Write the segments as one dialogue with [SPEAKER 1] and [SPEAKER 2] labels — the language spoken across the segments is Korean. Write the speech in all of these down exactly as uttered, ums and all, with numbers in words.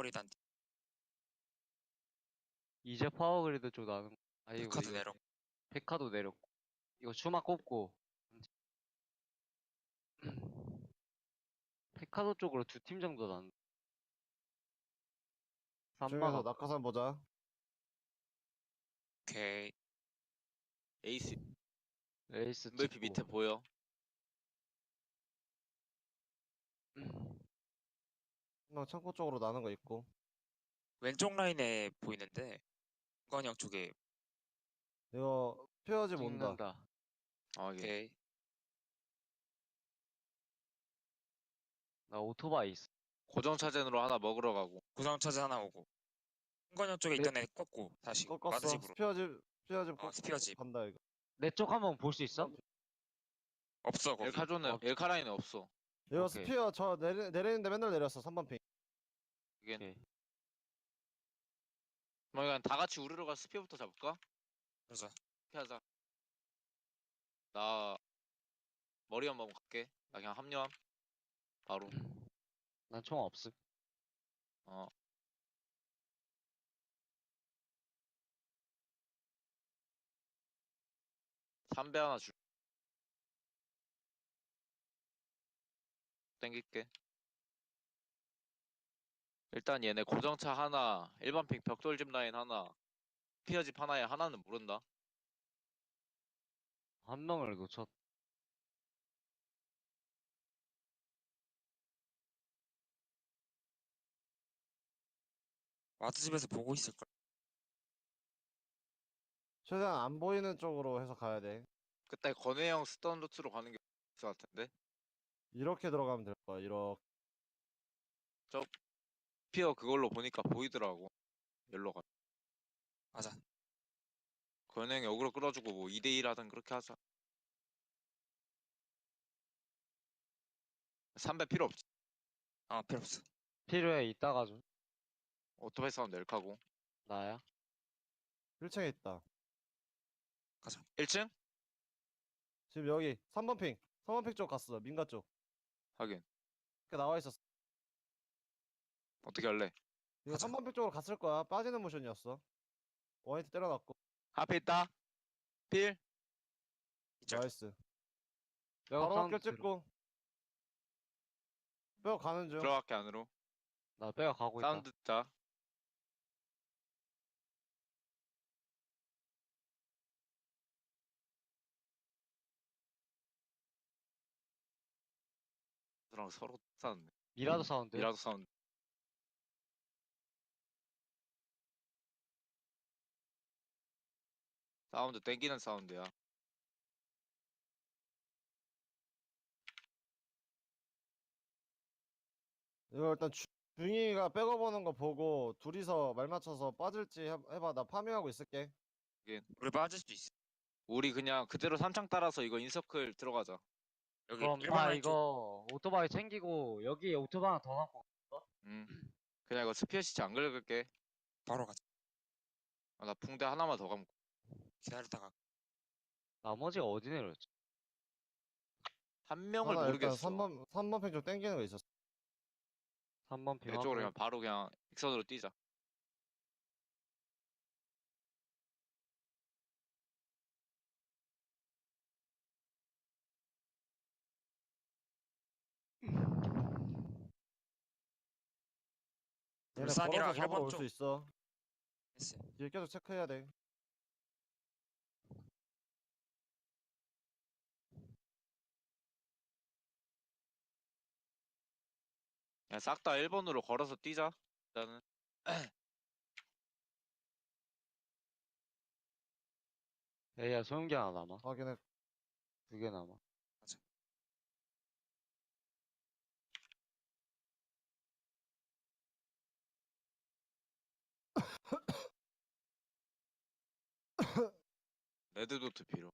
[SPEAKER 1] 파워그리드 한
[SPEAKER 2] 이제 파워그리드 쪽 나는 거. 아이고
[SPEAKER 1] 카드
[SPEAKER 2] 이거
[SPEAKER 1] 내려.
[SPEAKER 2] 페카도 내렸고 이거 추마 꼽고 페카도 쪽으로 두 팀 정도 난
[SPEAKER 3] 중에서
[SPEAKER 2] 삼마가
[SPEAKER 3] 낙하산 보자.
[SPEAKER 1] 오케이.
[SPEAKER 4] 에이스
[SPEAKER 2] 레이스
[SPEAKER 4] 엠브이피
[SPEAKER 2] 찍고
[SPEAKER 4] 밑에 보여.
[SPEAKER 3] 한 명 창고 쪽으로 나는 거 있고.
[SPEAKER 1] 왼쪽 라인에 보이는데 은건이 형 쪽에.
[SPEAKER 3] 이거 페어집 온다.
[SPEAKER 2] 찍는다.
[SPEAKER 4] 아 이게
[SPEAKER 1] 오케이.
[SPEAKER 2] 나 오토바이 있어.
[SPEAKER 4] 고정 차전으로 하나 먹으러 가고.
[SPEAKER 1] 고정 차지 하나 오고. 은건이 형 쪽에
[SPEAKER 2] 네.
[SPEAKER 1] 있던 애 꺾고 다시
[SPEAKER 3] 꺾었어.
[SPEAKER 1] 마드집으로.
[SPEAKER 3] 스피어집 스피어집
[SPEAKER 1] 어,
[SPEAKER 3] 꺾고
[SPEAKER 1] 스피어집.
[SPEAKER 3] 간다 이거.
[SPEAKER 2] 내 쪽 한번 볼 수 있어?
[SPEAKER 1] 없어 거기.
[SPEAKER 4] 엘카존은
[SPEAKER 2] 어.
[SPEAKER 4] 엘카라인은 없어.
[SPEAKER 3] 이거
[SPEAKER 2] 오케이.
[SPEAKER 3] 스피어 저 내리, 내리는데 맨날 내렸어. 삼 번 핑.
[SPEAKER 4] 이게
[SPEAKER 2] 오케이.
[SPEAKER 4] 뭐 그냥 다 같이 우르르 가서 스피어부터 잡을까?
[SPEAKER 1] 그러자.
[SPEAKER 4] 이렇게 하자. 나 머리 한번 갈게. 나 그냥 합류함. 바로.
[SPEAKER 2] 난 총 없음.
[SPEAKER 4] 어. 삼배 하나 줄. 땡길게. 일단 얘네 고정차 하나, 일반 핑 벽돌집 라인 하나, 피어집 하나에 하나는 모른다.
[SPEAKER 2] 한 명을 놓쳤.
[SPEAKER 1] 마드집에서 보고 있을 걸.
[SPEAKER 3] 최대한 안 보이는 쪽으로 해서 가야 돼.
[SPEAKER 4] 그때 건혜 형 쓰던 루트로 가는 게 있을 것 같은데.
[SPEAKER 3] 이렇게 들어가면 될 거야. 이렇게.
[SPEAKER 4] 피어 그걸로 보니까 보이더라고. 열로 가.
[SPEAKER 1] 맞아.
[SPEAKER 4] 건혜 형이 어그로 끌어주고 뭐 이 대 일 하든 그렇게 하자. 삼배 필요 없지.
[SPEAKER 1] 아 필요 없어.
[SPEAKER 2] 필요해 이따가 좀.
[SPEAKER 4] 오토바이 사운드 엘카고.
[SPEAKER 2] 나야.
[SPEAKER 3] 일 층에 있다.
[SPEAKER 1] 가자.
[SPEAKER 4] 일 층?
[SPEAKER 3] 지금 여기 삼 번 핑. 삼 번 핑 쪽 갔어. 민가 쪽.
[SPEAKER 4] 하긴.
[SPEAKER 3] 이렇게 나와 있었어.
[SPEAKER 4] 어떻게 할래?
[SPEAKER 3] 이거
[SPEAKER 1] 가자.
[SPEAKER 3] 삼 번 핑 쪽으로 갔을 거야. 빠지는 모션이었어. 원히트 때려놨고.
[SPEAKER 4] 앞에 있다. 필.
[SPEAKER 1] 이쪽.
[SPEAKER 3] 나이스.
[SPEAKER 2] 백업
[SPEAKER 3] 바로
[SPEAKER 2] 사운드
[SPEAKER 3] 학교
[SPEAKER 2] 들어.
[SPEAKER 3] 찍고. 뼈 가는 중.
[SPEAKER 4] 들어갈게 안으로.
[SPEAKER 2] 나 빼가 가고 있다.
[SPEAKER 4] 사운드 듣자. 그랑 서로 싸는데.
[SPEAKER 2] 미라도 사운드.
[SPEAKER 4] 미라도 사운드. 사운드 땡기는 사운드야.
[SPEAKER 3] 이거 일단 주, 중이가 백업 오는 거 보고 둘이서 말 맞춰서 빠질지 해, 해봐. 나 파밍하고 있을게.
[SPEAKER 1] 우리 빠질 수도 있어.
[SPEAKER 4] 우리 그냥 그대로 삼창 따라서 이거 인서클 들어가자.
[SPEAKER 1] 여기
[SPEAKER 2] 그럼
[SPEAKER 1] 일반
[SPEAKER 2] 나
[SPEAKER 1] 라인 쪽.
[SPEAKER 2] 이거 오토바이 챙기고 여기에 오토바이 하나 더 갖고.
[SPEAKER 4] 음. 그냥 이거 스피어 시체 안 긁을게.
[SPEAKER 1] 바로 가자.
[SPEAKER 4] 아, 나 붕대 하나만 더 감고.
[SPEAKER 1] 기다렸다가.
[SPEAKER 2] 나머지가 어디 내렸지?
[SPEAKER 4] 한 명을
[SPEAKER 3] 하나 일단
[SPEAKER 4] 모르겠어.
[SPEAKER 3] 삼 번 삼 번 핑 쪽 땡기는 거 있었어.
[SPEAKER 2] 삼 번 핑.
[SPEAKER 4] 내 쪽으로 그냥 바로 그냥 익선으로 뛰자.
[SPEAKER 3] 얘네
[SPEAKER 1] 울산이랑
[SPEAKER 3] 걸어서 잡으러
[SPEAKER 1] 일본
[SPEAKER 3] 올 수
[SPEAKER 1] 쪽.
[SPEAKER 3] 있어.
[SPEAKER 1] 했어.
[SPEAKER 3] 뒤에 계속 체크해야 돼.
[SPEAKER 4] 그냥 싹 다 일 번으로 걸어서 뛰자. 일단은.
[SPEAKER 2] 에이야 소형기 하나 남아.
[SPEAKER 3] 확인해.
[SPEAKER 2] 두 개 남아.
[SPEAKER 1] 맞아.
[SPEAKER 4] 레드도트 필요.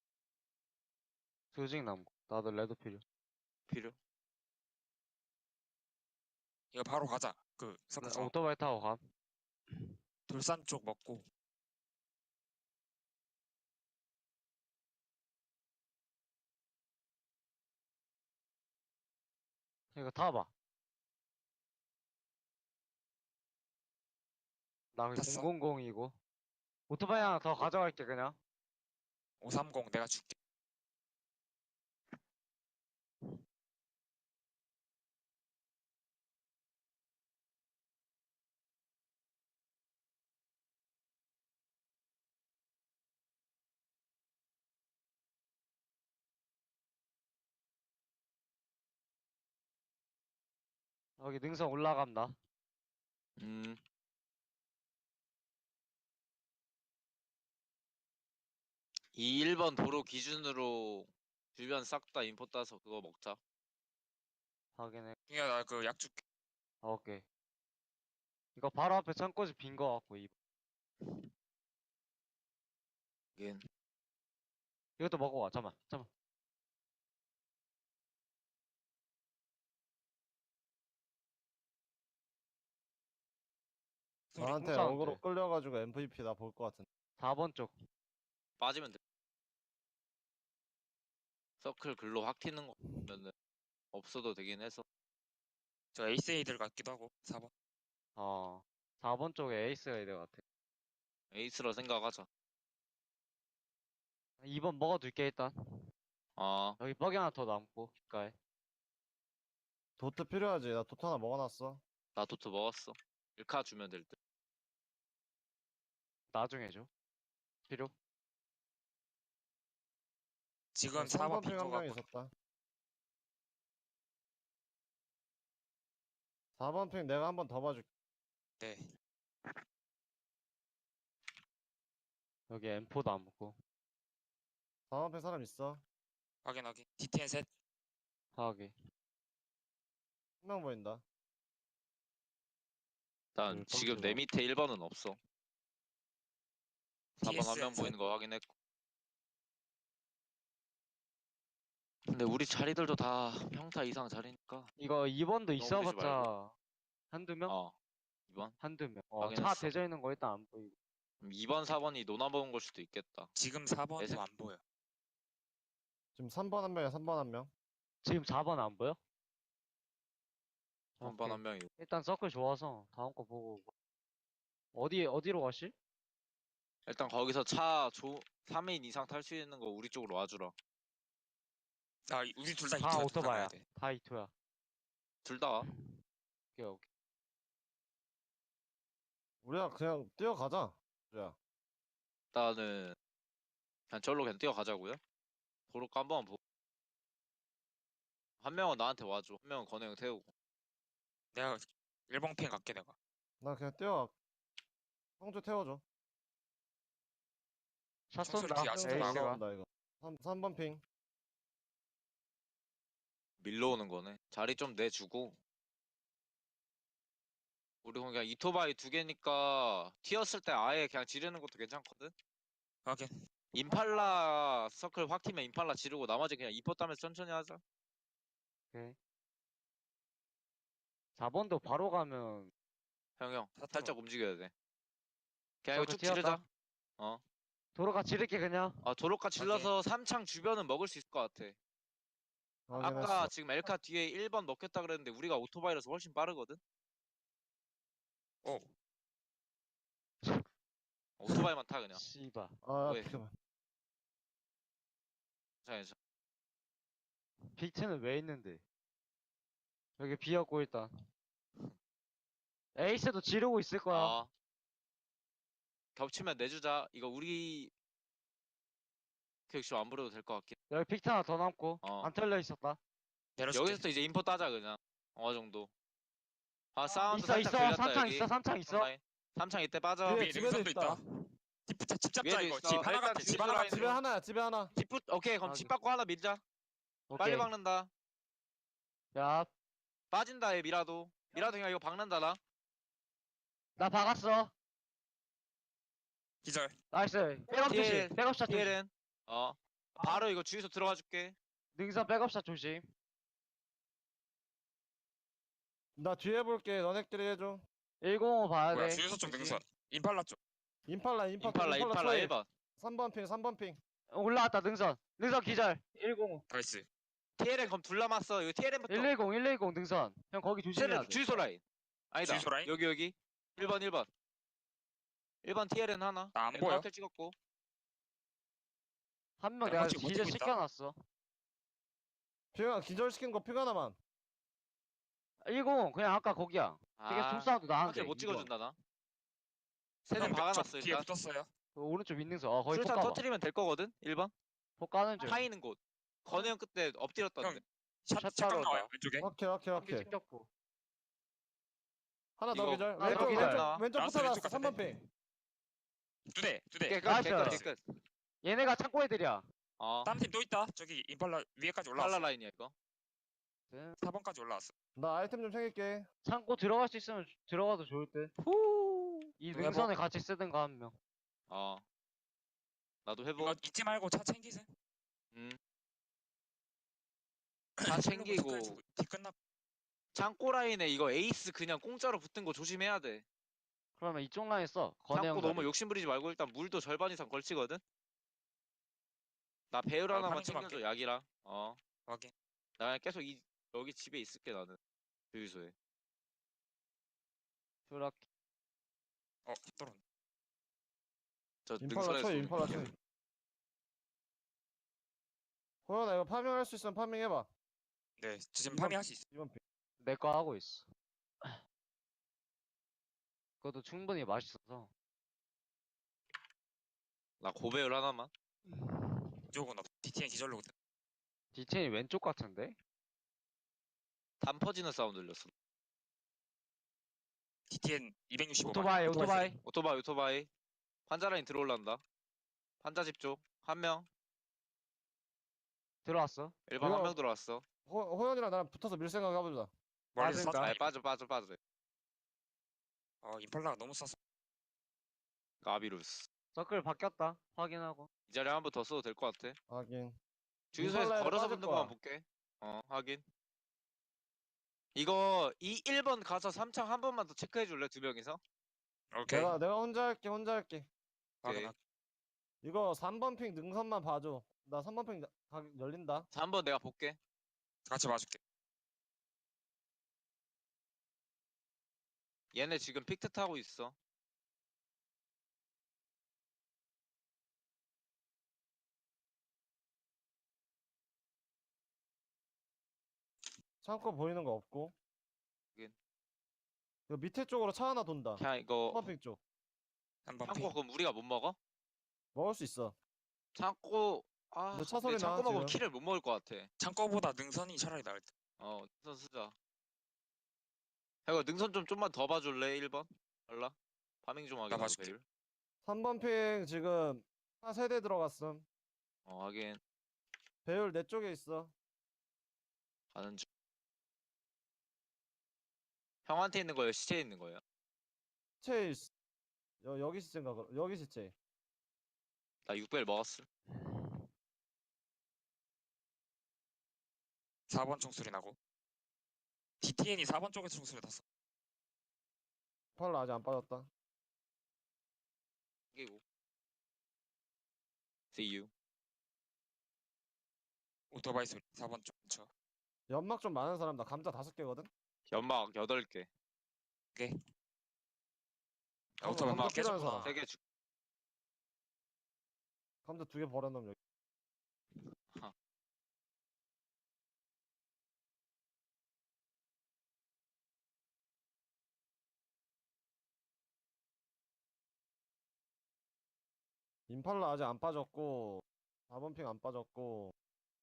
[SPEAKER 2] 수직 남고. 나도 레드 필요.
[SPEAKER 4] 필요.
[SPEAKER 1] 이거 바로 가자. 그
[SPEAKER 2] 나
[SPEAKER 1] 서클
[SPEAKER 2] 오토바이 타고 감.
[SPEAKER 1] 돌산 쪽 먹고.
[SPEAKER 2] 이거 타봐. 나 그냥
[SPEAKER 1] 탔어?
[SPEAKER 2] 공공공이고. 오토바이 하나 더 가져갈게 그냥.
[SPEAKER 1] 오삼공 내가 줄게.
[SPEAKER 2] 여기 능선 올라간다.
[SPEAKER 4] 음. 이 일 번 도로 기준으로 주변 싹 다 인포 따서 그거 먹자.
[SPEAKER 2] 확인해.
[SPEAKER 1] 중이야 나 그 약 줄게.
[SPEAKER 2] 아, 오케이. 이거 바로 앞에 창고지 빈 거 같고 이
[SPEAKER 4] 이긴.
[SPEAKER 2] 이것도 먹어와. 잠만, 잠만.
[SPEAKER 3] 나한테
[SPEAKER 2] 사운드.
[SPEAKER 3] 어그로 끌려가지고 엠브이피 나 볼 것 같은데.
[SPEAKER 2] 사 번 쪽.
[SPEAKER 4] 빠지면 돼. 서클 글로 확 튀는 거 보면은 없어도 되긴 해서.
[SPEAKER 1] 저 에이스 에이들 같기도 하고 사 번.
[SPEAKER 2] 어. 사 번 쪽에 에이스가 있는 것 같아.
[SPEAKER 4] 에이스라 생각하자.
[SPEAKER 2] 이 번 먹어둘게 일단.
[SPEAKER 4] 아,
[SPEAKER 2] 여기 뻐기 하나 더 남고 귓가에.
[SPEAKER 3] 도트 필요하지? 나 도트 하나 먹어놨어.
[SPEAKER 4] 나 도트 먹었어. 일 카 주면 될 듯.
[SPEAKER 2] 나중에 줘. 필요?
[SPEAKER 1] 지금 사 번
[SPEAKER 3] 삼 번 핑
[SPEAKER 1] 빈거
[SPEAKER 3] 한 명
[SPEAKER 1] 같고.
[SPEAKER 3] 있었다. 사 번 핑 내가 한 번 더 봐줄게.
[SPEAKER 1] 네.
[SPEAKER 2] 여기 엠포 남고.
[SPEAKER 3] 사 번 핑 사람 있어.
[SPEAKER 1] 확인 확인. 디티엔 셋.
[SPEAKER 2] 파악이.
[SPEAKER 3] 한 명 보인다.
[SPEAKER 4] 일단
[SPEAKER 2] 음,
[SPEAKER 4] 지금
[SPEAKER 2] 뻥치다.
[SPEAKER 4] 내 밑에 일 번은 없어. 사 번 한 명
[SPEAKER 1] 티에스엔 셋.
[SPEAKER 4] 보이는 거 확인했고. 근데 우리 자리들도 다 평타 이상 자리니까.
[SPEAKER 2] 이거 이 번도
[SPEAKER 4] 너무 부리지 말고.
[SPEAKER 2] 있어봤자 한두 명?
[SPEAKER 4] 어. 이 번?
[SPEAKER 2] 한두 명. 어, 차
[SPEAKER 4] 확인했어.
[SPEAKER 2] 대져 있는 거 일단 안 보이고.
[SPEAKER 4] 이 번, 사 번이 노나 먹은 걸 수도 있겠다.
[SPEAKER 1] 지금 사 번도
[SPEAKER 4] 애색-
[SPEAKER 1] 안 보여.
[SPEAKER 3] 지금 삼 번 한 명이야. 삼 번 한 명.
[SPEAKER 2] 지금 사 번 안 보여?
[SPEAKER 4] 한 번
[SPEAKER 2] 오케이.
[SPEAKER 4] 한 명이.
[SPEAKER 2] 일단 서클 좋아서 다음 거 보고. 어디 어디로 가실?
[SPEAKER 4] 일단 거기서 차 조, 삼 인 이상 탈 수 있는 거 우리 쪽으로 와주라.
[SPEAKER 1] 아 우리 둘 다
[SPEAKER 2] 다
[SPEAKER 1] 이투
[SPEAKER 2] 오토바이야.
[SPEAKER 1] 가야 돼.
[SPEAKER 2] 다 이토야.
[SPEAKER 4] 둘 다.
[SPEAKER 2] 오케이 오케이.
[SPEAKER 3] 우리가 그냥 뛰어가자. 야,
[SPEAKER 4] 일단은 그냥 절로 그냥 뛰어가자고요. 도로 한번 보고. 한 명은 나한테 와줘. 한 명은 건우 형 태우고.
[SPEAKER 1] 내가 일 번 핑 갈게 내가.
[SPEAKER 3] 나 그냥 뛰어. 성주 태워줘.
[SPEAKER 2] 샷
[SPEAKER 1] 청소리
[SPEAKER 2] 쏜다.
[SPEAKER 1] 뒤에 아직도
[SPEAKER 3] 성주
[SPEAKER 1] 나가.
[SPEAKER 2] 에이스가.
[SPEAKER 3] 나온다 이거. 삼, 삼 번 핑.
[SPEAKER 4] 밀러오는 거네. 자리 좀 내주고. 우리 그냥 이토바이 두 개니까 튀었을 때 아예 그냥 지르는 것도 괜찮거든.
[SPEAKER 1] 확인.
[SPEAKER 4] 임팔라 서클 확 튀면 임팔라 지르고 나머지 그냥 이포 따면서 천천히 하자.
[SPEAKER 2] 오케이. 사 번도 바로 가면
[SPEAKER 4] 형 형
[SPEAKER 1] 다
[SPEAKER 4] 살짝 움직여야 돼. 그냥 이거
[SPEAKER 2] 서클
[SPEAKER 4] 쭉 지르자.
[SPEAKER 2] 튀었다.
[SPEAKER 4] 어.
[SPEAKER 2] 도로가 지를게 그냥.
[SPEAKER 4] 아 도로가 질러서 삼창 주변은 먹을 수 있을 것 같아.
[SPEAKER 3] 확인했어.
[SPEAKER 4] 아까 지금 엘카 뒤에 일 번 먹겠다 그랬는데 우리가 오토바이라서 훨씬 빠르거든.
[SPEAKER 1] 오.
[SPEAKER 4] 오토바이만 타 그냥.
[SPEAKER 2] 씨바.
[SPEAKER 3] 아,
[SPEAKER 4] 왜?
[SPEAKER 3] 잠깐만.
[SPEAKER 4] 괜찮아, 괜찮아.
[SPEAKER 2] 비트는 왜 있는데? 여기 비었고 일단. 에이스도 지르고 있을 거야.
[SPEAKER 4] 아. 겹치면 내주자. 이거 우리 교육실 안 부려도 될 것 같긴.
[SPEAKER 2] 여기 픽트 하나 더 남고.
[SPEAKER 4] 어.
[SPEAKER 2] 안 털려 있었다.
[SPEAKER 1] 내려줄게.
[SPEAKER 4] 여기서 또 이제 인포 따자 그냥. 어느 정도. 아 사운드
[SPEAKER 2] 있어
[SPEAKER 4] 살짝
[SPEAKER 2] 있어.
[SPEAKER 4] 들렸다
[SPEAKER 2] 삼창
[SPEAKER 4] 여기.
[SPEAKER 2] 있어. 삼창 있어.
[SPEAKER 4] 삼창. 삼창 이때 빠져.
[SPEAKER 3] 뒤에
[SPEAKER 1] 위에
[SPEAKER 3] 집에도
[SPEAKER 1] 능선도
[SPEAKER 3] 있다.
[SPEAKER 1] 있다. 집 붙자 집 잡자
[SPEAKER 4] 위에도
[SPEAKER 1] 이거.
[SPEAKER 4] 있어.
[SPEAKER 1] 집 하나
[SPEAKER 4] 일단
[SPEAKER 1] 같아. 집 하나
[SPEAKER 4] 뒤로
[SPEAKER 1] 같아.
[SPEAKER 3] 집에 하나야. 집에 하나.
[SPEAKER 4] 집 붙. 오케이 그럼
[SPEAKER 2] 아,
[SPEAKER 4] 집
[SPEAKER 2] 그-
[SPEAKER 4] 받고 하나 밀자. 빨리
[SPEAKER 2] 오케이.
[SPEAKER 4] 박는다.
[SPEAKER 2] 야,
[SPEAKER 4] 빠진다 얘 미라도. 미라도 그냥 이거 박는다 나.
[SPEAKER 2] 나 박았어.
[SPEAKER 1] 기절.
[SPEAKER 2] 나이스. 백업
[SPEAKER 4] 뒤에-
[SPEAKER 2] 조심. 백업샷 조심.
[SPEAKER 4] 티엘은. 어. 바로 이거 주유소 들어가 줄게.
[SPEAKER 2] 능선 백업샷 조심.
[SPEAKER 3] 나 뒤에 볼게. 너네끼리 해줘.
[SPEAKER 2] 일공오 봐야
[SPEAKER 1] 뭐야
[SPEAKER 2] 돼.
[SPEAKER 1] 주유소 쪽
[SPEAKER 2] 조심.
[SPEAKER 1] 능선. 임팔라 쪽.
[SPEAKER 3] 임팔라, 임팔라,
[SPEAKER 4] 임팔라 임팔라
[SPEAKER 3] 초이.
[SPEAKER 4] 일 번.
[SPEAKER 3] 삼 번 핑, 삼 번 핑.
[SPEAKER 2] 올라왔다 능선. 능선 기절. 일공오.
[SPEAKER 1] 나이스.
[SPEAKER 4] 티엘은 그럼 둘 남았어. 이거 티엘은부터.
[SPEAKER 2] 일일공 일일공 능선. 형 거기 조심해야
[SPEAKER 4] 티엘은
[SPEAKER 2] 돼.
[SPEAKER 4] 주유소 라인. 아니다.
[SPEAKER 1] 주유소 라인?
[SPEAKER 4] 여기 여기. 일 번 일 번. 일 번 티엘엔 하나.
[SPEAKER 1] 나안
[SPEAKER 4] 앵커
[SPEAKER 1] 보여.
[SPEAKER 4] 확킬 찍었고.
[SPEAKER 2] 한 명
[SPEAKER 1] 야,
[SPEAKER 2] 내가
[SPEAKER 1] 솔직히 못
[SPEAKER 2] 기절
[SPEAKER 1] 뛰고 있다.
[SPEAKER 2] 시켜놨어.
[SPEAKER 3] 핑하 기절시킨 거 핑 하나만.
[SPEAKER 2] 일공 그냥 아까 거기야. 되게
[SPEAKER 4] 아,
[SPEAKER 2] 총싸움도 나는데.
[SPEAKER 4] 확킬 못
[SPEAKER 2] 이번.
[SPEAKER 4] 찍어준다 나. 세대
[SPEAKER 1] 형,
[SPEAKER 4] 박아놨어
[SPEAKER 1] 저 뒤에
[SPEAKER 4] 일단.
[SPEAKER 1] 붙었어요.
[SPEAKER 2] 그 오른쪽 윈능선. 어 거기 폭
[SPEAKER 4] 술탄
[SPEAKER 2] 까봐.
[SPEAKER 4] 터트리면 될 거거든. 일 번.
[SPEAKER 2] 폭 까는 중.
[SPEAKER 4] 파이는 곳. 건우 형 그때 엎드렸던데.
[SPEAKER 1] 형, 샷,
[SPEAKER 2] 샷
[SPEAKER 1] 샷각
[SPEAKER 2] 따로
[SPEAKER 1] 나와요,
[SPEAKER 2] 온다.
[SPEAKER 1] 왼쪽에.
[SPEAKER 3] 오케이 오케이
[SPEAKER 2] 한개
[SPEAKER 3] 오케이.
[SPEAKER 2] 챙겼고.
[SPEAKER 3] 하나 더
[SPEAKER 4] 이거
[SPEAKER 3] 기절.
[SPEAKER 2] 하나
[SPEAKER 3] 왼쪽
[SPEAKER 2] 더
[SPEAKER 3] 왼쪽
[SPEAKER 2] 기절.
[SPEAKER 4] 나와.
[SPEAKER 3] 왼쪽
[SPEAKER 1] 나왔어,
[SPEAKER 3] 붙어놨어.
[SPEAKER 1] 왼쪽
[SPEAKER 3] 삼 번
[SPEAKER 1] 같은데.
[SPEAKER 3] 핑.
[SPEAKER 1] 두 대, 두 대.
[SPEAKER 4] 깨끗
[SPEAKER 2] 나이스.
[SPEAKER 4] 깨끗 깨끗.
[SPEAKER 2] 얘네가 창고 애들이야.
[SPEAKER 4] 어.
[SPEAKER 1] 다른 팀 또 있다. 저기 임팔라 위에까지 올라왔어.
[SPEAKER 4] 팔라 라인이야 이거.
[SPEAKER 1] 사 번까지 올라왔어.
[SPEAKER 3] 나 아이템 좀 챙길게.
[SPEAKER 2] 창고 들어갈 수 있으면 주- 들어가도 좋을 듯. 이
[SPEAKER 1] 누가
[SPEAKER 2] 능선에 같이 쓰든가 한 명.
[SPEAKER 4] 어. 나도 회복.
[SPEAKER 1] 이거 잊지 말고 차 챙기세요.
[SPEAKER 4] 음. 다 챙기고.
[SPEAKER 1] 뒤 끝나.
[SPEAKER 4] 창고 라인에 이거 에이스 그냥 공짜로 붙은 거 조심해야 돼.
[SPEAKER 2] 그러면 이쪽 라인 써. 건해
[SPEAKER 4] 창고
[SPEAKER 2] 형
[SPEAKER 4] 너무
[SPEAKER 2] 자리.
[SPEAKER 4] 욕심 부리지 말고 일단 물도 절반 이상 걸치거든. 나 배율
[SPEAKER 1] 어,
[SPEAKER 4] 하나만
[SPEAKER 1] 파밍 좀
[SPEAKER 4] 챙겨줘
[SPEAKER 1] 할게.
[SPEAKER 4] 약이랑. 어.
[SPEAKER 1] 확인.
[SPEAKER 4] 나 그냥 계속 이 여기 집에 있을게 나는. 주유소에.
[SPEAKER 2] 드랍.
[SPEAKER 1] 어, 떨어.
[SPEAKER 4] 저
[SPEAKER 3] 임팔라
[SPEAKER 4] 능선에서
[SPEAKER 3] 쳐
[SPEAKER 4] 쏘는
[SPEAKER 3] 임팔라
[SPEAKER 4] 거.
[SPEAKER 3] 쳐. 호연아 이거 파밍할 수 있으면 파밍해봐.
[SPEAKER 1] 네, 지금
[SPEAKER 3] 이번-
[SPEAKER 1] 파밍할 수 있어.
[SPEAKER 3] 이번 핑.
[SPEAKER 2] 내 거 하고 있어. 그것도 충분히 맛있어서.
[SPEAKER 4] 나 고배율 하나만.
[SPEAKER 1] 이쪽은 없. 디티엔 기절로거든.
[SPEAKER 2] 디체인이 왼쪽 같은데?
[SPEAKER 4] 담 퍼지는 사운드 들렸어.
[SPEAKER 1] 디티엔 이백육십오.
[SPEAKER 2] 오토바이 오토바이.
[SPEAKER 4] 오토바이 오토바이. 환자 라인 들어올란다. 환자 집 쪽. 한 명.
[SPEAKER 2] 들어왔어.
[SPEAKER 4] 일 번 한
[SPEAKER 3] 이거-
[SPEAKER 4] 명 들어왔어.
[SPEAKER 3] 호, 호연이랑 나랑 붙어서 밀 생각 해보자.
[SPEAKER 1] 멀리서
[SPEAKER 2] 맞으니까.
[SPEAKER 1] 쐈다.
[SPEAKER 4] 아 빠져 빠져 빠져.
[SPEAKER 1] 어, 임팔라가 너무 쐈어.
[SPEAKER 4] 가비루스.
[SPEAKER 2] 서클 바뀌었다. 확인하고.
[SPEAKER 4] 이 자리에 한 번 더 써도 될 것 같아.
[SPEAKER 3] 하긴.
[SPEAKER 4] 주유소에서
[SPEAKER 3] 임팔라에도
[SPEAKER 4] 걸어서
[SPEAKER 3] 빠질
[SPEAKER 4] 붙는 것만
[SPEAKER 3] 거야.
[SPEAKER 4] 볼게. 어 확인. 이거 이 일 번 가서 삼 창 한 번만 더 체크해 줄래? 두 명이서?
[SPEAKER 1] 오케이.
[SPEAKER 3] 내가 내가 혼자 할게 혼자 할게.
[SPEAKER 1] 확인.
[SPEAKER 4] 오케이.
[SPEAKER 3] 이거 삼 번 핑 능선만 봐줘. 나 삼 번 핑 가, 열린다.
[SPEAKER 4] 자, 한 번 내가 볼게.
[SPEAKER 1] 같이 봐줄게.
[SPEAKER 4] 얘네 지금 픽트 타고 있어.
[SPEAKER 3] 창고 보이는 거 없고.
[SPEAKER 4] 하긴.
[SPEAKER 3] 이거 밑에 쪽으로 차 하나 돈다.
[SPEAKER 4] 그냥 이거
[SPEAKER 3] 삼 번 핑 쪽.
[SPEAKER 1] 한번
[SPEAKER 4] 창고 그럼 우리가 못 먹어?
[SPEAKER 3] 먹을 수 있어.
[SPEAKER 4] 창고 아
[SPEAKER 3] 근데 차
[SPEAKER 4] 근데
[SPEAKER 3] 소리 나,
[SPEAKER 4] 창고 먹으면
[SPEAKER 3] 지금.
[SPEAKER 4] 키를 못 먹을 것 같아.
[SPEAKER 1] 창고보다 능선이 차라리 나을 듯.
[SPEAKER 4] 어 능선 쓰자. 이거 능선 좀 좀만 더 봐줄래? 일 번? 알라? 파밍 좀 하게.
[SPEAKER 1] 나
[SPEAKER 4] 나도
[SPEAKER 1] 봐줄게.
[SPEAKER 4] 배율.
[SPEAKER 3] 삼 번 핑 지금 차 세대 들어갔음.
[SPEAKER 4] 어 하긴
[SPEAKER 3] 배율 내 쪽에 있어.
[SPEAKER 4] 가는 중. 형한테 있는 거예요? 시체에 있는 거예요?
[SPEAKER 3] 시체 있... 여, 여기 시체인가? 그럼? 여기 시체.
[SPEAKER 4] 나 육 벨 먹었어.
[SPEAKER 1] 사 번 총소리 나고. 디티엔이 사 번 쪽에서 총소리 났어.
[SPEAKER 3] 팔라 아직 안 빠졌다.
[SPEAKER 4] 끼고. See you.
[SPEAKER 1] 오토바이 소리. 사 번 쪽 근처.
[SPEAKER 3] 연막 좀 많은 사람 나 감자 다섯 개거든.
[SPEAKER 4] 연막 여덟 개.
[SPEAKER 1] 야, 오토바이
[SPEAKER 3] 감자
[SPEAKER 1] 막
[SPEAKER 3] 필요한
[SPEAKER 1] 깨졌구나.
[SPEAKER 3] 사람.
[SPEAKER 4] 세 개 주.
[SPEAKER 3] 감자 두 개 버려놓으면 여기. 임팔라 아직 안 빠졌고 사 번 핑 안 빠졌고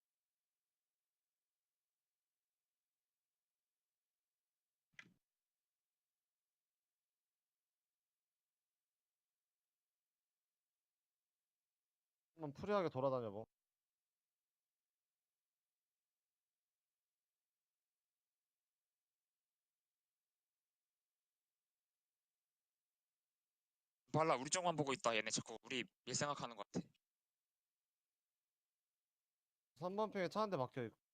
[SPEAKER 3] 한번 프리하게 돌아다녀 보.
[SPEAKER 1] 발라 우리 쪽만 보고 있다. 얘네 자꾸 우리 일 생각하는 것 같아.
[SPEAKER 3] 삼 번 핑에 차 한 대 박혀 있고.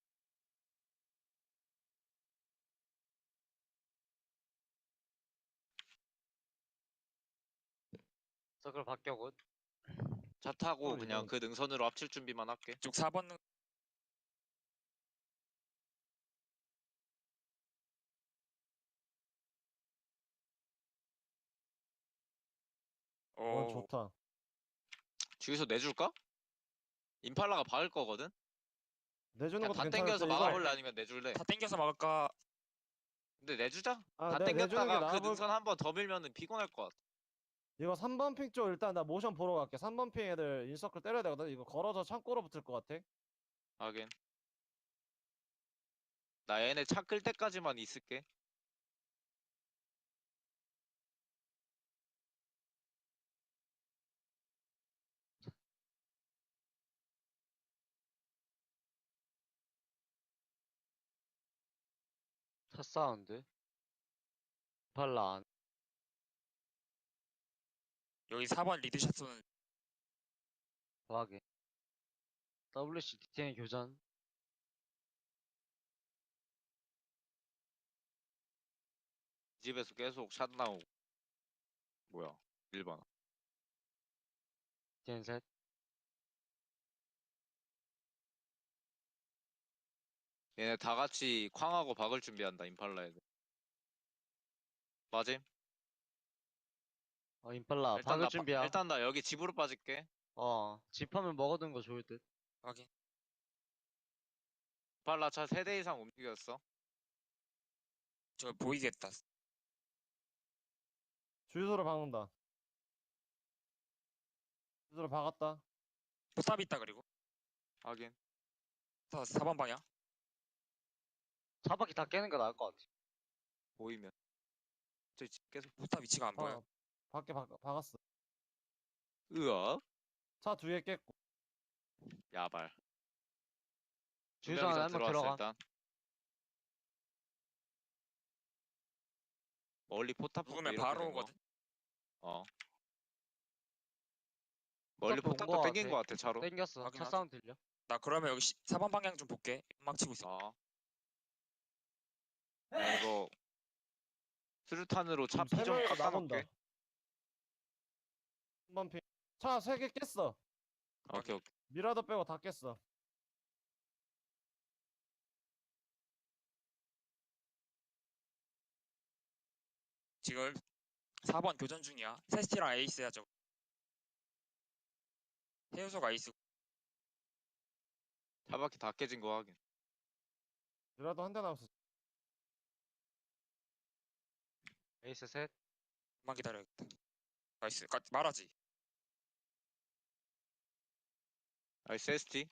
[SPEAKER 2] 서클 바뀌었고.
[SPEAKER 4] 차 타고
[SPEAKER 3] 어,
[SPEAKER 4] 그냥
[SPEAKER 3] 이건-
[SPEAKER 4] 그 능선으로 합칠 준비만 할게.
[SPEAKER 1] 쪽 사 번
[SPEAKER 3] 원
[SPEAKER 1] 오,
[SPEAKER 3] 좋다.
[SPEAKER 4] 주유소 내줄까? 임팔라가 박을 거거든?
[SPEAKER 3] 내주는
[SPEAKER 4] 그냥
[SPEAKER 3] 것도
[SPEAKER 4] 다
[SPEAKER 3] 괜찮을
[SPEAKER 4] 땡겨서
[SPEAKER 3] 때 이거
[SPEAKER 4] 막아볼래 아니면 내줄래?
[SPEAKER 1] 다 땡겨서 막을까?
[SPEAKER 4] 근데 내주자.
[SPEAKER 3] 아,
[SPEAKER 4] 다
[SPEAKER 3] 내, 내주는 게
[SPEAKER 4] 땡겼다가 그
[SPEAKER 3] 나아 보일
[SPEAKER 4] 능선 한 번 더 밀면은 피곤할 것 같아.
[SPEAKER 3] 이거 삼 번 핑 쪽 일단 나 모션 보러 갈게. 삼 번 핑 애들 인서클 때려야 되거든. 이거 걸어서 창고로 붙을 것 같아.
[SPEAKER 4] 하긴. 나 얘네 차 끌 때까지만 있을게.
[SPEAKER 2] 차 사운드. 발라 안.
[SPEAKER 1] 여기 사 번 리드샷 쏘는
[SPEAKER 2] 과하게. 더블유씨 디테일 교전.
[SPEAKER 4] 이 집에서 계속 샷 나오고. 뭐야? 일 번.
[SPEAKER 2] 디테일 셋.
[SPEAKER 4] 얘네 다 같이 쾅하고 박을 준비한다, 임팔라 애들. 맞임?
[SPEAKER 2] 어, 임팔라.
[SPEAKER 4] 일단
[SPEAKER 2] 박을
[SPEAKER 4] 나, 바-
[SPEAKER 2] 준비야.
[SPEAKER 4] 일단 나 여기 집으로 빠질게.
[SPEAKER 2] 어, 집하면 먹어둔 거 좋을 듯.
[SPEAKER 1] 확인.
[SPEAKER 4] 임팔라 차 세 대 이상 움직였어.
[SPEAKER 1] 저 보이겠다.
[SPEAKER 3] 주유소를 박는다. 주유소를 박았다.
[SPEAKER 1] 포탑 있다 그리고.
[SPEAKER 4] 하긴.
[SPEAKER 1] 다 사 번 방향.
[SPEAKER 2] 차 바퀴 다 깨는 거 나을 것 같아.
[SPEAKER 4] 보이면. 저기 집 계속.
[SPEAKER 1] 포탑 위치가 안 보여.
[SPEAKER 3] 어, 밖에 박, 박았어.
[SPEAKER 4] 으악.
[SPEAKER 3] 차 두 개 깼고.
[SPEAKER 4] 야발. 두
[SPEAKER 2] 주유소
[SPEAKER 4] 명이서
[SPEAKER 2] 안에 한명
[SPEAKER 4] 들어왔어,
[SPEAKER 2] 들어가.
[SPEAKER 4] 일단. 멀리 포탑 보고
[SPEAKER 1] 누구면
[SPEAKER 4] 이렇게
[SPEAKER 1] 바로
[SPEAKER 4] 된 거.
[SPEAKER 1] 오거든.
[SPEAKER 4] 어. 멀리
[SPEAKER 2] 포탑도 온
[SPEAKER 4] 포탑도
[SPEAKER 2] 거
[SPEAKER 4] 땡긴
[SPEAKER 2] 같아.
[SPEAKER 4] 거 같아, 차로.
[SPEAKER 2] 땡겼어.
[SPEAKER 1] 확인,
[SPEAKER 2] 차
[SPEAKER 1] 확인.
[SPEAKER 2] 사운드 들려?
[SPEAKER 1] 나 그러면 여기 사 번 방향 좀 볼게. 막 치고 있어.
[SPEAKER 4] 어. 야, 이거. 수류탄으로 차
[SPEAKER 3] 지금 세
[SPEAKER 4] 피 좀
[SPEAKER 3] 명이서
[SPEAKER 4] 깎아놓을게.
[SPEAKER 3] 나본다. 삼 번 핑. 차 세 개 깼어.
[SPEAKER 4] 오케이, 오케이.
[SPEAKER 3] 미라도 빼고 다 깼어.
[SPEAKER 1] 지금 사 번 교전 중이야. 세스티랑 에이스야 저거. 해우소가 에이스.
[SPEAKER 4] 차 바퀴 다 깨진 거 확인.
[SPEAKER 3] 미라도 한 대 남았어.
[SPEAKER 2] 에이스 셋.
[SPEAKER 1] 만 기다려야겠다. 나이스. 가, 말하지.
[SPEAKER 4] 나이스 에스티.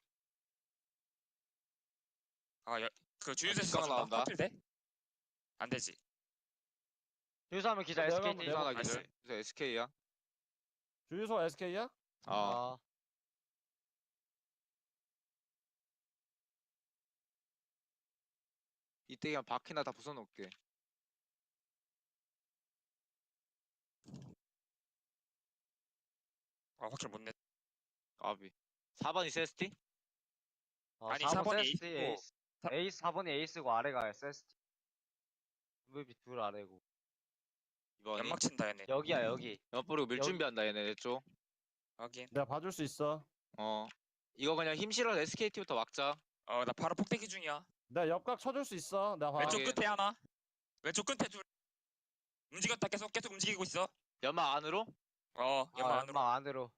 [SPEAKER 1] 아, 야, 그 주유소에서
[SPEAKER 4] 뒷강
[SPEAKER 1] 쏴준다.
[SPEAKER 4] 나온다.
[SPEAKER 1] 하필 돼? 안 되지.
[SPEAKER 2] 주유소 하면 기자
[SPEAKER 3] 내가
[SPEAKER 2] 에스케이티.
[SPEAKER 3] 한번
[SPEAKER 4] 부산
[SPEAKER 3] 내가-
[SPEAKER 4] 하기들.
[SPEAKER 1] 나이스.
[SPEAKER 4] 그래서 에스케이야.
[SPEAKER 3] 주유소 에스케이야?
[SPEAKER 4] 어.
[SPEAKER 2] 아,
[SPEAKER 4] 이때 그냥 바퀴나 다 부숴놓을게.
[SPEAKER 1] 아, 확실 못 냈.
[SPEAKER 4] 까비. 사 번이 에스티?
[SPEAKER 2] 어,
[SPEAKER 1] 아니,
[SPEAKER 2] 사
[SPEAKER 1] 사
[SPEAKER 2] 번
[SPEAKER 1] 번이
[SPEAKER 2] 세스티
[SPEAKER 1] 에이스고,
[SPEAKER 2] 에이스.
[SPEAKER 1] 사-
[SPEAKER 2] 에이스 사 번이 에이스고 아래가 에스티. 엠브이피 둘 아래고.
[SPEAKER 4] 이번이.
[SPEAKER 1] 연막 친다 얘네.
[SPEAKER 2] 여기야 여기.
[SPEAKER 4] 연막 뿌리고 밀
[SPEAKER 2] 여기-
[SPEAKER 4] 준비한다 얘네 내 쪽.
[SPEAKER 1] 확인.
[SPEAKER 3] 내가 봐줄 수 있어.
[SPEAKER 4] 어. 이거 그냥 힘 실어 에스케이티부터 막자.
[SPEAKER 1] 어, 나 바로 폭대기 중이야.
[SPEAKER 3] 내가 옆각 쳐줄 수 있어. 내가 봐.
[SPEAKER 1] 왼쪽
[SPEAKER 4] 확인.
[SPEAKER 1] 끝에 하나. 왼쪽 끝에 둘. 움직였다. 계속 계속 움직이고 있어.
[SPEAKER 4] 연막 안으로?
[SPEAKER 1] 어, 연막
[SPEAKER 2] 아,
[SPEAKER 1] 안으로.
[SPEAKER 2] 연막 안으로.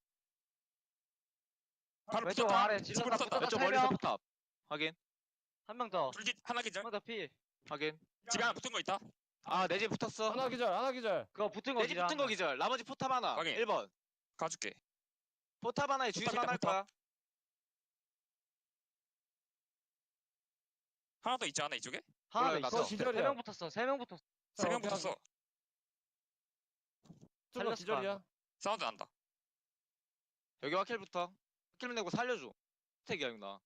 [SPEAKER 1] 바로
[SPEAKER 2] 왼쪽
[SPEAKER 1] 붙었다.
[SPEAKER 2] 아래
[SPEAKER 1] 집으로
[SPEAKER 2] 질렀다,
[SPEAKER 1] 붙었다.
[SPEAKER 2] 붙었다.
[SPEAKER 4] 왼쪽
[SPEAKER 2] 세
[SPEAKER 4] 멀리서
[SPEAKER 2] 명.
[SPEAKER 4] 포탑. 확인.
[SPEAKER 2] 한 명 더.
[SPEAKER 1] 둘기 하나 기절.
[SPEAKER 2] 한 명 더 피.
[SPEAKER 4] 확인.
[SPEAKER 1] 집에 하나 붙은 거 있다.
[SPEAKER 4] 아, 내 집 붙었어.
[SPEAKER 3] 하나 기절, 하나 기절.
[SPEAKER 2] 그거 붙은 거
[SPEAKER 4] 내 집
[SPEAKER 2] 기자.
[SPEAKER 4] 붙은 거 기절. 나머지 포탑 하나.
[SPEAKER 1] 확인.
[SPEAKER 4] 일 번.
[SPEAKER 1] 가줄게.
[SPEAKER 4] 포탑 하나에 주유소
[SPEAKER 1] 포탑이다,
[SPEAKER 4] 하나 할
[SPEAKER 1] 포탑.
[SPEAKER 4] 거야.
[SPEAKER 1] 하나 더 있지 않아 이쪽에?
[SPEAKER 2] 하나 더
[SPEAKER 4] 몰라요,
[SPEAKER 2] 있어.
[SPEAKER 3] 나도. 기절이야.
[SPEAKER 2] 세 명 붙었어. 세 명 붙었어.
[SPEAKER 1] 세 명
[SPEAKER 3] 오케이,
[SPEAKER 1] 붙었어.
[SPEAKER 3] 투가
[SPEAKER 2] 살렸을
[SPEAKER 3] 기절이야.
[SPEAKER 1] 사운드 난다.
[SPEAKER 4] 여기 화킬부터. 화킬 내고 살려줘. 스택이야, 형 나.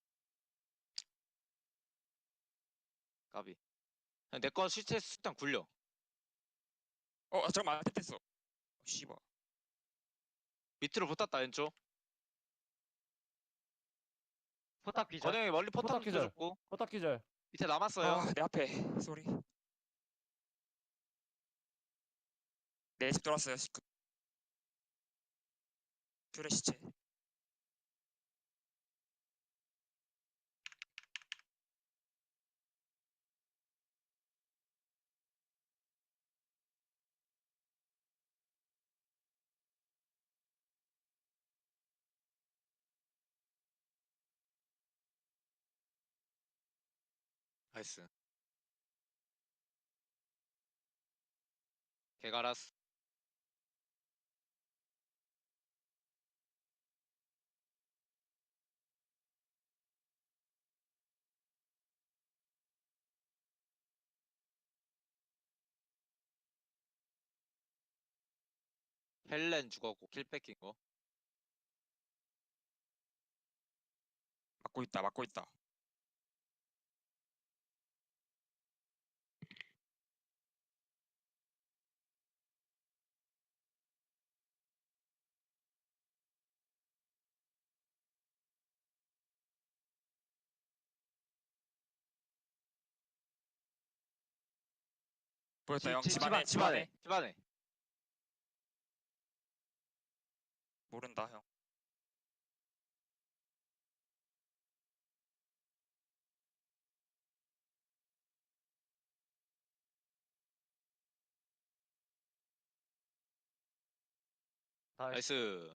[SPEAKER 4] 까비. 내 거 시체 수탄 굴려.
[SPEAKER 1] 어, 아, 잠깐만. 안 됐어. 씨발.
[SPEAKER 4] 밑으로 붙었다, 왼쪽.
[SPEAKER 2] 포탑 기절.
[SPEAKER 4] 건영이 멀리 포탑
[SPEAKER 3] 포탑 기절.
[SPEAKER 4] 붙여줬고.
[SPEAKER 3] 포탑 기절.
[SPEAKER 4] 밑에 남았어요.
[SPEAKER 1] 아, 내 앞에. 쏘리. 내 집 돌았어요. 그... 퓨레 시체.
[SPEAKER 4] 패스. 개가라스. 헬렌 죽었고 킬 뺏긴 거.
[SPEAKER 1] 막고 있다 막고 있다. 보였다
[SPEAKER 2] 집-
[SPEAKER 1] 형.
[SPEAKER 2] 집-
[SPEAKER 1] 집안에
[SPEAKER 2] 집안,
[SPEAKER 1] 집안에.
[SPEAKER 4] 집안에.
[SPEAKER 1] 모른다 형.
[SPEAKER 2] 나이스.
[SPEAKER 4] 나이스.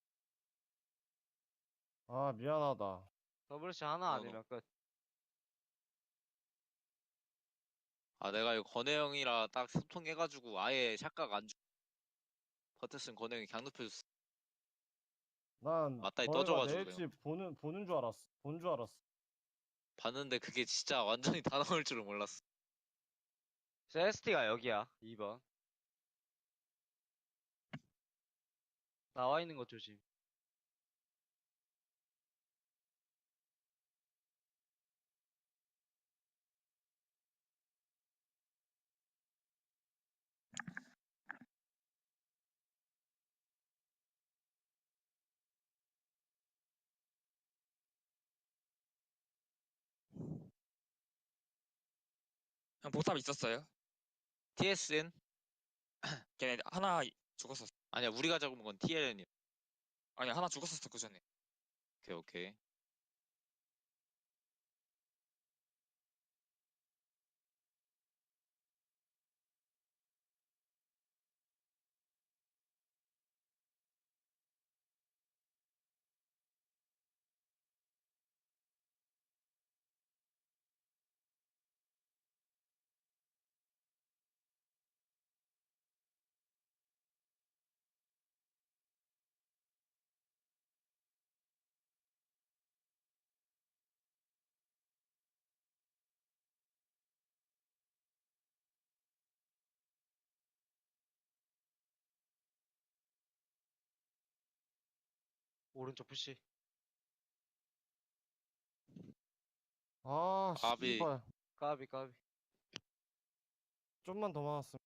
[SPEAKER 3] 아 미안하다.
[SPEAKER 2] 더블시 하나
[SPEAKER 4] 어,
[SPEAKER 2] 아니면 끝.
[SPEAKER 4] 아 내가 이거 건혜 형이라 딱 소통해가지고 아예 샷각 안 주. 버텼으면 건혜 형이 강 높여줬어.
[SPEAKER 3] 난
[SPEAKER 4] 맞다이
[SPEAKER 3] 너희가
[SPEAKER 4] 떠줘가지고
[SPEAKER 3] 내
[SPEAKER 4] 내가.
[SPEAKER 3] 집 보는 보는 줄 알았어. 본 줄 알았어.
[SPEAKER 4] 봤는데 그게 진짜 완전히 다 나올 줄은 몰랐어.
[SPEAKER 2] 에스티가 여기야. 이 번. 나와 있는 거 조심.
[SPEAKER 1] 형 보탑 있었어요?
[SPEAKER 4] 티에스엔?
[SPEAKER 1] 걔네 하나 죽었었어.
[SPEAKER 4] 아니야 우리가 잡은 건 티엘엔이야.
[SPEAKER 1] 아니 하나 죽었었어 그 전에.
[SPEAKER 4] 오케이 오케이.
[SPEAKER 2] 오른쪽 푸시.
[SPEAKER 3] 아
[SPEAKER 4] 아비.
[SPEAKER 3] 씨발.
[SPEAKER 2] 까비 까비.
[SPEAKER 3] 좀만 더 많았으면.